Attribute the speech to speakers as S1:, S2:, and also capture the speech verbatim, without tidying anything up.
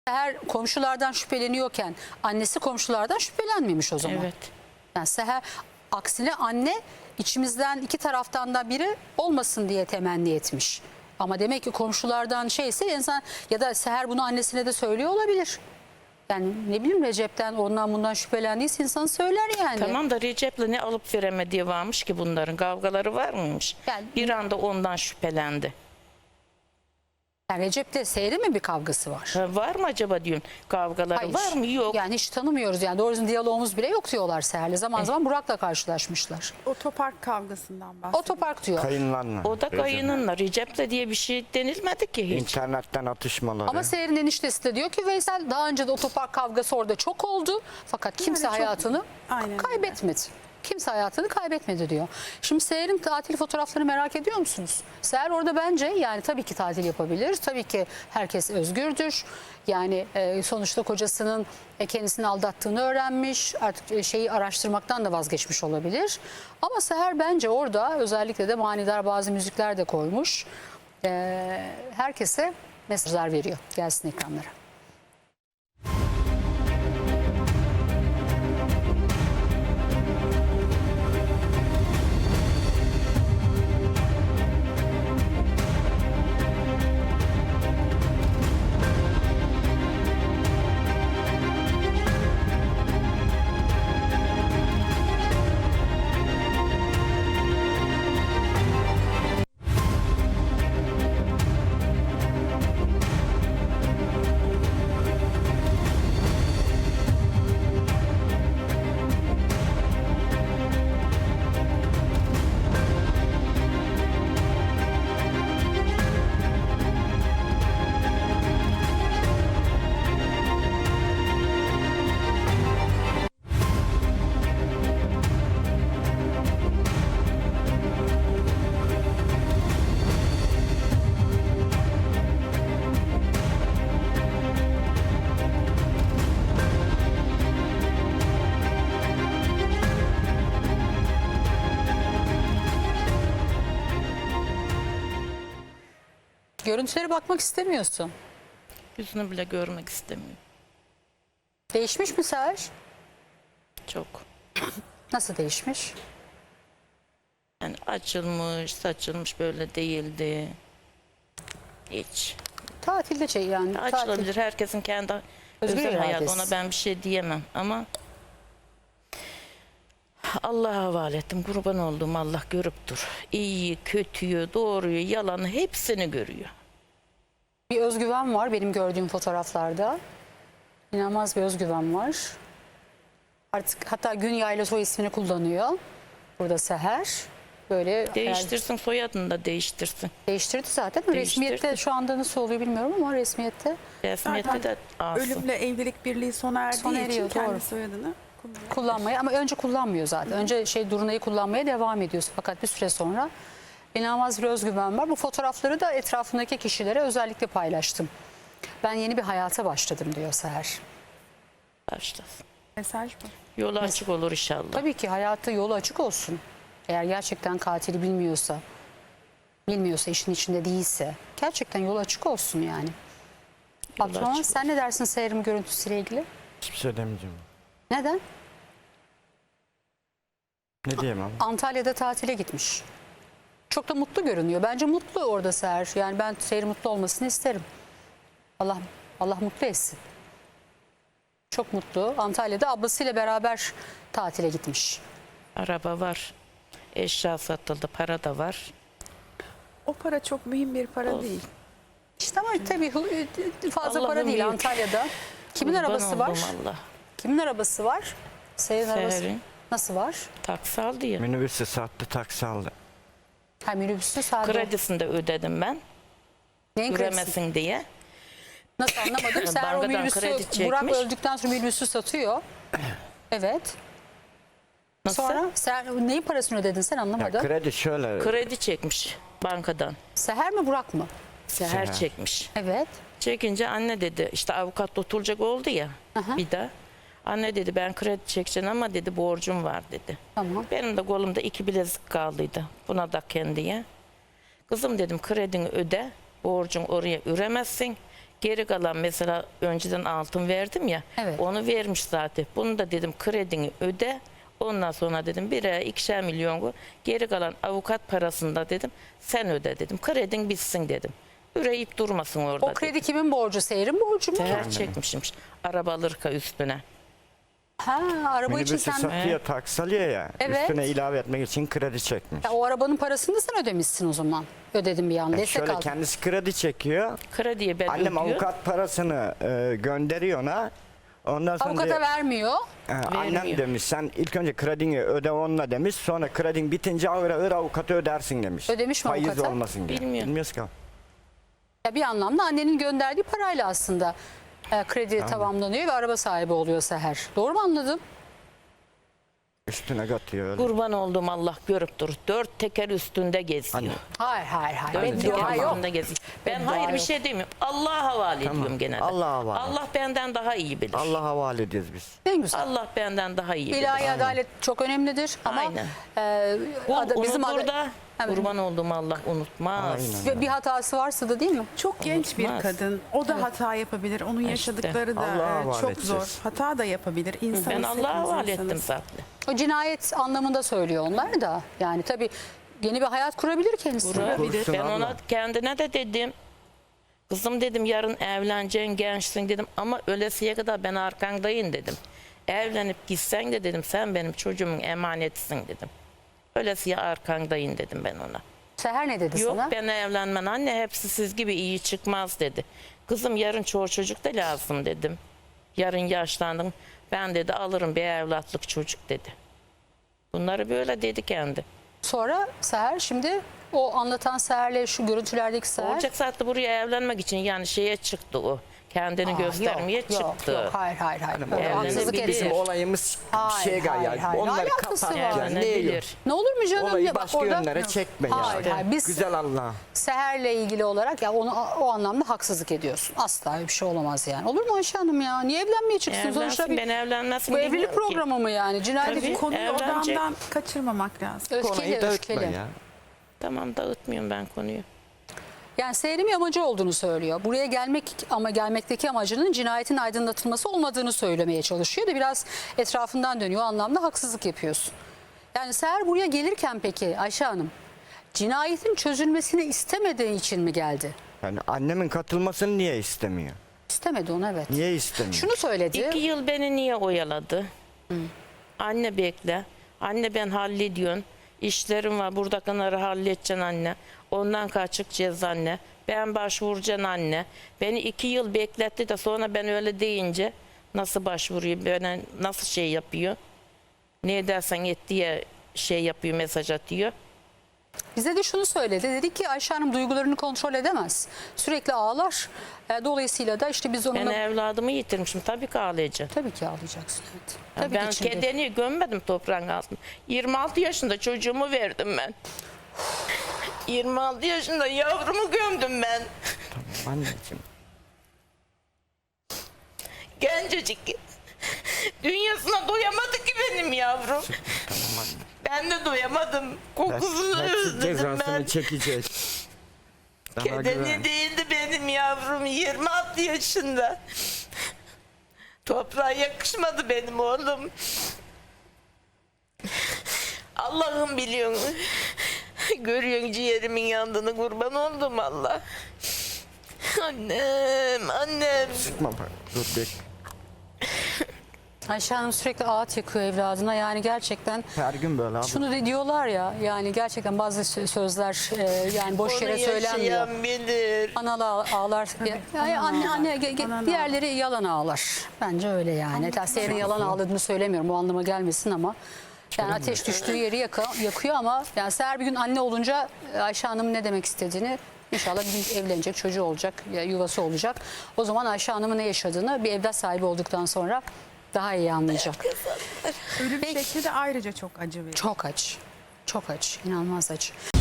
S1: Seher komşulardan şüpheleniyorken annesi komşulardan şüphelenmemiş o zaman.
S2: Evet.
S1: Yani Seher aksine anne içimizden iki taraftan da biri olmasın diye temenni etmiş. Ama demek ki komşulardan şeyse insan ya da Seher bunu annesine de söylüyor olabilir. Yani ne bileyim Recep'ten ondan bundan şüphelendiyse insan söyler yani.
S2: Tamam da Recep'le ne alıp veremediği varmış ki bunların kavgaları var mıymış?
S1: Yani-
S2: bir anda ondan şüphelendi.
S1: Yani Recep'te Seher'in mi bir kavgası var?
S2: Ha, var mı acaba diyorum kavgaları
S1: Hayır.
S2: var mı? Yok.
S1: Yani hiç tanımıyoruz yani doğru düzgün diyalogumuz bile yok diyorlar Seher'le. Zaman zaman Burak'la karşılaşmışlar.
S3: Otopark kavgasından bahsediyor.
S1: Otopark diyor.
S4: Kayınlarla.
S2: O da kayınınla Recep'le diye bir şey denilmedi ki hiç.
S4: İnternetten atışmaları.
S1: Ama Seher'in eniştesi de diyor ki Veysel daha önce de otopark kavgası orada çok oldu. Fakat kimse
S3: çok-
S1: hayatını
S3: Aynen öyle.
S1: kaybetmedi. Kimse hayatını kaybetmedi diyor. Şimdi Seher'in tatil fotoğraflarını merak ediyor musunuz? Seher orada bence yani tabii ki tatil yapabilir. Tabii ki herkes özgürdür. Yani e, sonuçta kocasının e, kendisini aldattığını öğrenmiş. Artık e, şeyi araştırmaktan da vazgeçmiş olabilir. Ama Seher bence orada özellikle de manidar bazı müzikler de koymuş. E, herkese mesajlar veriyor. Gelsin ekranlara. Görüntülere bakmak istemiyorsun.
S2: Yüzünü bile görmek istemiyor.
S1: Değişmiş mi Seher?
S2: Çok.
S1: Nasıl değişmiş?
S2: Yani açılmış, saçılmış böyle değildi. Hiç.
S1: Tatilde şey yani. Tatil.
S2: Açılabilir. Herkesin kendi
S1: Özgür
S2: özel hayatı.
S1: iradesi.
S2: Ona ben bir şey diyemem ama Allah'a havale ettim. Kurban olduğum Allah görüp dur. İyiyi, kötüyü, doğruyu, yalanı hepsini görüyor.
S1: Bir özgüven var benim gördüğüm fotoğraflarda. İnanılmaz bir özgüven var. Artık hatta Günya ile soy ismini kullanıyor. Burada Seher. Böyle herhalde
S2: Değiştirsin, soyadını da değiştirsin.
S1: değiştirdi zaten.
S2: Değiştirdi.
S1: Resmiyette şu anda nasıl oluyor bilmiyorum ama resmiyette
S2: Resmiyette de alsın.
S3: Ölümle evlilik birliği sona erdiği
S1: Sona
S3: için
S1: eriyor,
S3: kendi
S1: doğru.
S3: soyadını kullanıyor.
S1: kullanmaya ama önce kullanmıyor zaten. Önce şey Durunay'ı kullanmaya devam ediyorsun. Fakat bir süre sonra inanılmaz bir özgüven var. Bu fotoğrafları da etrafındaki kişilere özellikle paylaştım. Ben yeni bir hayata başladım diyor Seher.
S2: Başlasın.
S3: Mesaj bu.
S2: Yolu açık olur inşallah.
S1: Tabii ki hayatta yolu açık olsun. Eğer gerçekten katili bilmiyorsa, bilmiyorsa, işin içinde değilse gerçekten yolu açık olsun yani.
S2: Yolu
S1: Patron
S2: açık
S1: sen ne dersin Seher'in görüntüsüyle ilgili?
S4: Hiçbir şey demeyeceğim.
S1: Neden?
S4: Ne diyeyim abi?
S1: Antalya'da tatile gitmiş. Çok da mutlu görünüyor. Bence mutlu orada Seher. Yani ben Seher'in mutlu olmasını isterim. Allah Allah mutlu etsin. Çok mutlu. Antalya'da ablasıyla beraber tatile gitmiş.
S2: Araba var. Eşya satıldı. Para da var.
S3: O para çok mühim bir para
S2: Olsun.
S3: değil.
S1: İşte ama tabii fazla para
S2: Allah'ım
S1: değil
S2: büyük.
S1: Antalya'da. Kimin
S2: Kurban
S1: arabası var?
S2: oldum Allah.
S1: Kimin arabası var? Seher'in arabası.
S2: Seher'in.
S1: Nasıl var?
S2: Taksi aldı ya.
S4: Minibüsü sattı, taksi aldı.
S1: Ha minibüsü sadece.
S2: Kredisini de ödedim ben.
S1: Neyin kredisi?
S2: Göremesin diye.
S1: Nasıl anlamadım. Seher o
S2: Bankadan
S1: minibüsü
S2: kredi
S1: Burak
S2: çekmiş.
S1: öldükten sonra minibüsü satıyor. Evet.
S2: Nasıl?
S1: Sonra Seher, neyin parasını ödedin sen
S4: Ya
S1: anlamadım.
S4: kredi şöyle.
S2: Kredi çekmiş bankadan.
S1: Seher mi Burak mı?
S2: Seher
S4: Seher.
S2: çekmiş.
S1: Evet.
S2: Çekince anne dedi işte avukat tutulacak oldu ya
S1: Aha.
S2: bir daha. Anne dedi ben kredi çekeceğim ama dedi borcum var dedi.
S1: Tamam.
S2: Benim de kolumda iki bilezik kaldıydı. Buna da kendiye. Kızım dedim kredini öde. Borcun oraya üremezsin. Geri kalan mesela önceden altın verdim ya.
S1: Evet.
S2: Onu vermiş zaten. Bunu da dedim kredini öde. Ondan sonra dedim biraya ikişer milyon koy. Geri kalan avukat parasında dedim sen öde dedim. Kredin bitsin dedim. Üreyip durmasın orada.
S1: O kredi kimin borcu? Seher'in borcu mu?
S2: Seher çekmişmiş. Araba alırka üstüne.
S1: Ha, araba için
S4: Minibüsü
S1: sen...
S4: satıyor, taksi alıyor ya.
S1: Evet.
S4: Üstüne ilave etmek için kredi çekmiş.
S1: Ya o arabanın parasını da sen ödemişsin o zaman. Ödedim bir an.
S4: Yani
S1: Destek
S4: şöyle
S1: aldın.
S4: kendisi kredi çekiyor.
S2: Krediye ben
S4: Annem
S2: ödüyor.
S4: avukat parasını e, gönderiyor ona. Ondan sonra
S1: Avukata
S4: diyor,
S1: vermiyor.
S4: e, annem
S2: Vermiyor.
S4: demiş sen ilk önce kredini öde onunla demiş. Sonra kredin bitince ağır ağır avukatı ödersin demiş.
S1: Ödemiş mi
S4: Faiz
S1: avukata?
S4: olmasın diye.
S2: Bilmiyorum.
S4: Bilmiyoruz ki.
S1: Ya bir anlamda annenin gönderdiği parayla aslında e, kredi tamamlanıyor ve araba sahibi oluyor Seher. Doğru mu anladım?
S4: Üstüne katıyor öyle.
S2: Kurban olduğum Allah görüp dur. Dört teker üstünde geziyor.
S4: Anne.
S1: Hayır hayır hayır.
S2: Dört
S1: Beddua
S2: teker
S1: yok.
S2: üstünde geziyor. Ben
S1: Beddua
S2: hayır bir
S1: yok.
S2: şey demiyorum. Allah'a havale ediyorum gene de.
S4: Allah'a havale.
S2: Allah benden daha iyi bilir.
S4: Allah havale ediyoruz biz.
S1: En güzel.
S2: Allah benden daha iyi bilir.
S1: İlahi adalet çok önemlidir ama
S2: Aynen.
S1: e,
S2: Kul
S1: ada- bizim
S2: unutur
S1: ada-
S2: da
S1: Evet.
S2: kurban olduğum Allah unutmaz.
S4: Aynen.
S1: ve bir hatası varsa da değil mi?
S3: Çok genç bir
S2: Unutmaz.
S3: kadın. O da hata yapabilir. Onun yaşadıkları da
S4: Allah'a
S3: e,
S4: havale
S3: çok
S4: edeceğiz.
S3: zor. Hata da yapabilir. İnsan
S2: Ben Allah'a havale ettim
S3: insanız.
S2: zaten.
S1: O cinayet anlamında söylüyor onlar da. Yani tabii yeni bir hayat kurabilir kendisi.
S4: Kursun
S2: Ben
S4: abla.
S2: ona kendine de dedim. Kızım dedim yarın evleneceksin gençsin dedim ama ölesiye kadar ben arkandayım dedim. Evlenip gitsen de dedim sen benim çocuğumun emanetisin dedim. Ölesiye arkandayım dedim ben ona.
S1: Seher ne dedi
S2: Yok
S1: sana?
S2: ben evlenmem anne hepsi siz gibi iyi çıkmaz dedi. Kızım yarın çoğu çocuk da lazım dedim. Yarın yaşlandım ben dedi alırım bir evlatlık çocuk dedi. Bunları böyle dedi kendi.
S1: Sonra Seher şimdi o anlatan Seher'le şu görüntülerdeki Seher.
S2: Olacak saatte buraya evlenmek için yani şeye çıktı o. Kendini
S1: Aa,
S2: göstermeye
S1: yok, yok,
S2: çıktı.
S1: Yok, hayır hayır hayır. Öyle
S2: evlenebilir.
S1: haksızlık
S2: Bizim
S1: edildi.
S4: Bizim olayımız
S1: Hayır,
S4: şey
S1: hayır,
S4: gayet.
S1: hayır.
S4: Onları
S1: Alakası
S4: kapat.
S1: var.
S4: Yani. Ne
S2: Evlenebilir.
S4: yok?
S1: Ne olur mu canım?
S4: Olayı
S1: Ya bak
S4: başka
S1: orada-
S4: yönlere çekme
S1: Hayır,
S4: ya.
S1: hayır, biz-
S4: Güzel Allah.
S1: Seher'le ilgili olarak ya onu o anlamda haksızlık ediyorsun. Asla öyle bir şey olamaz yani. Olur mu Ayşe Hanım ya? Niye evlenmeye çıksın? Sonuçta
S2: Evlensin
S1: bir,
S2: ben evlenmesin
S1: bu evlilik
S2: bilmiyorum ki.
S1: programı mı yani? Cinayet
S2: Tabii.
S3: Konuyu
S2: Evlenecek.
S3: odamdan kaçırmamak lazım.
S1: öfkeli
S4: Konuyu dağıtma
S1: öfkeli.
S4: ya.
S2: Tamam dağıtmıyorum ben konuyu.
S1: Yani Seher'in bir amacı olduğunu söylüyor. Buraya gelmek ama gelmekteki amacının cinayetin aydınlatılması olmadığını söylemeye çalışıyor da biraz etrafından dönüyor. O anlamda haksızlık yapıyorsun. Yani Seher buraya gelirken peki Ayşe Hanım cinayetin çözülmesini istemediği için mi geldi?
S4: Yani annemin katılmasını niye istemiyor?
S1: İstemedi onu evet.
S4: Niye istemiyor?
S1: Şunu söyledi.
S2: İki yıl beni niye oyaladı? Anne bekle. Anne ben hallediyorsun. İşlerim var. Buradakileri halledeceksin anne. Ondan kaçıkacağız anne. Ben başvuracaksın anne. Beni iki yıl bekletti de sonra ben öyle deyince nasıl başvuruyor? Bana nasıl şey yapıyor? Ne dersen et diye şey yapıyor, mesaj atıyor.
S1: Bize de şunu söyledi. Dedi ki Ayşe Hanım duygularını kontrol edemez. Sürekli ağlar. E, dolayısıyla da işte biz
S2: Ben
S1: onunla...
S2: evladımı yitirmişim. Tabii ki ağlayacağım.
S1: Tabii ki ağlayacaksın. Evet.
S2: Ya
S1: Tabii
S2: ben
S1: ki içinde.
S2: kedeni gömmedim toprağın altına. yirmi altı yaşında çocuğumu verdim ben. yirmi altı yaşında yavrumu gömdüm ben.
S4: Anneciğim.
S2: Gencecik. Dünyasına doyamadı ki benim yavrum.
S4: Tamam anne.
S2: Ben de doyamadım. Kokusunu
S4: Hepsi
S2: özledim
S4: cezasını
S2: ben.
S4: çekecek. Daha güven.
S2: Kedeni değildi benim yavrum. yirmi altı yaşında. Toprağa yakışmadı benim oğlum. Allah'ım biliyorsun. Görüyorsun ciğerimin yandığını kurban oldum Allah. Annem, annem.
S4: Sıkma bak. Dur bekle.
S1: Ayşe Hanım sürekli ağıt yakıyor evladına. Yani gerçekten
S4: Her gün böyle abi.
S1: şunu da diyorlar ya yani gerçekten bazı sö- sözler e, yani boş
S2: Onu
S1: yere söylenmiyor.
S2: yaşayan bilir.
S1: Analı ağ- ağlar. Ya, ya anne anne ge- ge-
S3: Anan
S1: diğerleri yalan ağlar. Bence öyle yani. Seher'in yalan ağladığını söylemiyorum. O anlama gelmesin ama yani ateş düştüğü yeri yaka- yakıyor ama yani Seher bir gün anne olunca Ayşe Hanım'ın ne demek istediğini İnşallah bir gün evlenecek, çocuğu olacak, ya yuvası olacak. O zaman Ayşe Hanım'ın ne yaşadığını bir evlat sahibi olduktan sonra daha iyi anlayacak.
S3: Ölüm
S1: Peki.
S3: şekli de ayrıca çok acı verici.
S1: Çok acı. Çok acı. İnanılmaz acı.